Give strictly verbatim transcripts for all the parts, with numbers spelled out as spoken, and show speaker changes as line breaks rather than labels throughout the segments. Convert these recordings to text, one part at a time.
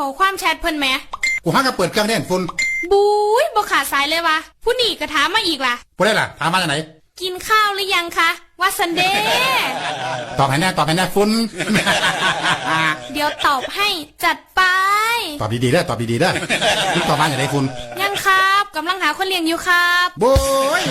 อความแชทเพิ่นแหม
กูหาก็เปิดเครื่องเล่นฝุ่น
บุ้ยบ่ขาดสายเลยวะผู้นี่ก็ถามมาอีกล่ะ
ผู้ได้ล่ะถามมาจากไหน
กินข้าวหรือยังคะว่าซันเดย์
ตอบให้แน่ตอบให้แน่ฝุ่น
เดี๋ยวตอบให้จัดไป
ตอบดีๆได้ตอบดีๆได้มึงตอบมาจากไหนฝุ่น
ยังครับกำลังหาคนเลี้ยงอยู่ครับ
โบ้ย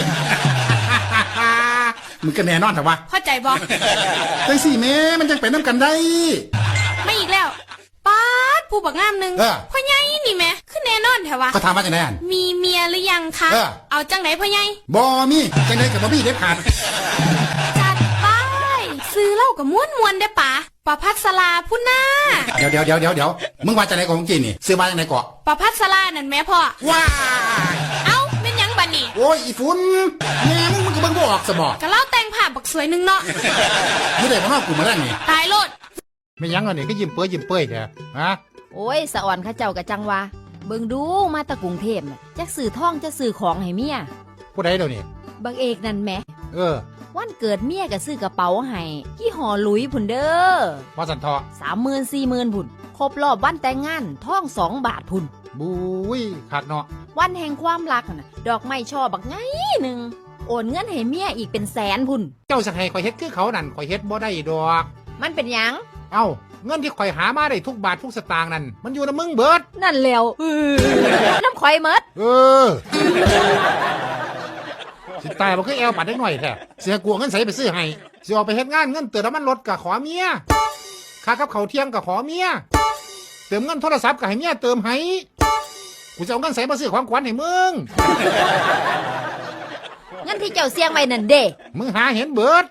มึงก็แน่นอนแต่ว่า
เข้าใจบ่
จังสี่แม่มันจังไปน้ำกันได้
ไม่อีกแล้วป๊าดผู้บักงามนึงพ่อใหญ่นี่แม่คือแน่นอนแถวะ
ก็ถามมาจากไหนอ่ะ
มีเมียหรือยังคะเอาจังไหนพ่อใหญ่
บ่มีจังไหนกับบ่มีเด็ดขาด
จัดไปซื้อเหล้ากับม้วนมวนได้ปะประพัสราพุ่นหน้า
เดี๋ยวเดี๋ยวเดี๋ยวเดี๋ยวเดี๋ยวมึงมาจากไหนของจีนนี่ซื้อมาจากไหนเกาะ
ประพัสรานั่นแม่พ่อ
ว้า
เอ้าเป็นยังบัดนี่
โอ้ยอีฝุ่นแม่มึงมึงก็เบิ่งบ่ออกสมอง
ก็เล่าแต่งภาพบักสวยนึงเนาะ
นี่ได้มากูมาแล้วนี่
ตายโลด
ไม่ยังอันนี้ก็ยิ้มเปื้ยยิ้มเปื้ยแท้ฮะ
โอ้ยสะอ่อนข้าเจ้ากะจังวะเบิ่งดูมาตะกรุงเทพน่ะจักสื่อท่องจะสื่อของให้เมีย
ผู้ใดเดี๋ยวนี้
บังเอกนั่นแหม
เออ
วันเกิดเมียก็ซื้อกระเป๋าให้กี่ห่อหลุยพุ่นเด้อ
พอสันทอ
สามหมื่นสี่หมื่นพุ่นครบรอบวันแต่งงานท่องสองบาทพุ่น
บุ้ยขาดเนาะ
วันแห่งความรักน่ะดอกไม้ช่อบักไงหนึ่งโอนเงินให้เมียอีกเป็นแสนพุ่น
เจ้าสักให้ข่อยเฮ็ดคือเขานั่นข่อยเฮ็ดบ่ได้ดอก
มันเป็นหยัง
เอ้าเงินที่ข่อยหามาได้ทุกบาททุกสตางค์นั่นมันอยู่ในมึงเบิด
นั่นแล้วน้ำข่อยเมิด
เออสิตายบ่คือแอวปัดได้หน่อยแท้เสียกลัวเงินใส่ไปซื้อให้สิออกไปเฮ็ดงานเงินเติมน้ำมันรถก็ขอเมียค่ากับเขาเที่ยงก็ขอเมียเติมเงินโทรศัพท์ก็ให้เมียเติมให้กูจะเอาเงินใส่มาซื้อของขวัญให้มึง
เงินที่เจ้าเสี่ยงไว้นั่นเด้
มึงหาเห็นเบิด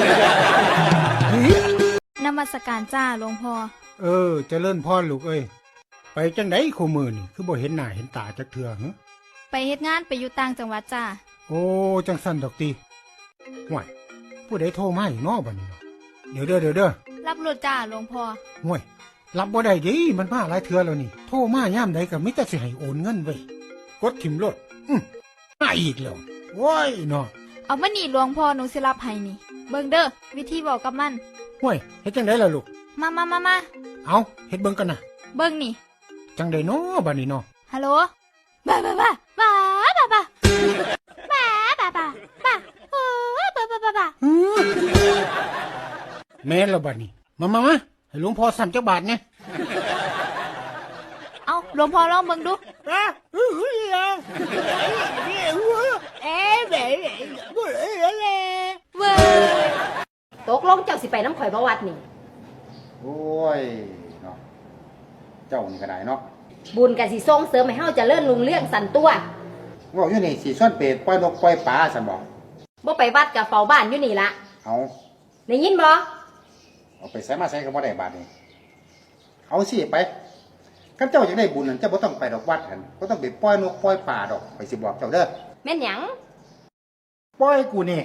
นมัสการจ้าหลวงพ่อ
เออเจริญพรลูกเอ้ยไปจังได๋คู่มื้อนี่คือบ่เห็นหน้าเห็นตาจักเทื่อหึ
ไปเฮ็ดงานไปอยู่ต่างจังหวัดจ้า
โอ้จังซั่นดอกติห่วยผู้ใดโทรมาอีกเนาะบัดนี้เดี๋ยวเด้อเดี๋ยวเด้อ
รับรถจ้าหลวงพ่อ
ห่วยรับบ่ได้ดิมันมาหลายเทื่อแล้วนี่โทรมายามใดก็มีแต่สิให้โอนเงินไว้กดถิ่มรถอื้อมาอีกแล้วโว้ยเนาะ
เอามานี่หลวงพ่อหนูสิรับให้นี่เบิ่งเด้อวิธีบอกกับมัน
ห่วยเฮ็ดจังได๋ล่ะลูก
มามามามา
เอาเฮ็ดเบิ่งกันนะ
เบิ่งนี่
จังได๋เนาะบัดนี้เนาะ
ฮัลโหลบ้าบ้าบ้าบ้าบ้าบ้าบ้าบ้าบ้าบ้าโอ้บ้าบ้าบ้าบ้า
แม่นแล้วบัดนี้มามามาให้หลวงพ่อสั่นจักบาทเนี่ย
เอาหลวงพ่อลองเบิ่งดู
เอ๊ะเบ๊บ่ได้แล้ว
เว้ย
ตกลงเจ้าสิไปน้ำข่อยบ่วัดนี่
โอ้ยเนาะเจ้านี่ก็ได้เนาะ
บุญก็สิส่งเสริมให้เฮาเจริญรุ่งเรืองสั่นตัว
ว่าอยู่นี่สิส่วนเป็ดปล่อยนกปล่อยปลาซั่นบ่
บ่ไปวัดก็เฝ้าบ้านอยู่นี่ล่ะ
เอา
ได้ยินบ่
เอาไปใส่มาใส่ก็บ่ได้บาดนี้เอาสิไปคันเจ้าอยากได้บุญนั่นเจ้าบ่ต้องไปดอกวัดหั่นบ่ต้องไปปล่อยนกปล่อยปลาดอกไปสิบอกเจ้าเด้อ
แม่นหยัง
ปล่อยกูนี่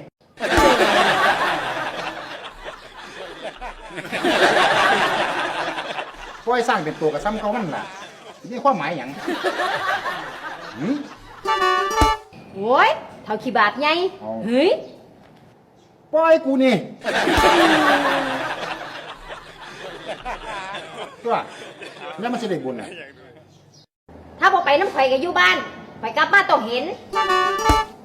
ปล่อยสร้างเป็นตัวกับซ้ำเขามันล่ะนี่ความหมายหยังหือ
โอ้ยเท่าขี้บาทใหญ่เฮ้ย
ปล่อยกูนี่ตัวแล้วมันจะได้บุญอ่ะ
ถ้าบ่ไปน้ำข่อยก็อยู่บ้านข่อยกลับมาต้องเห็น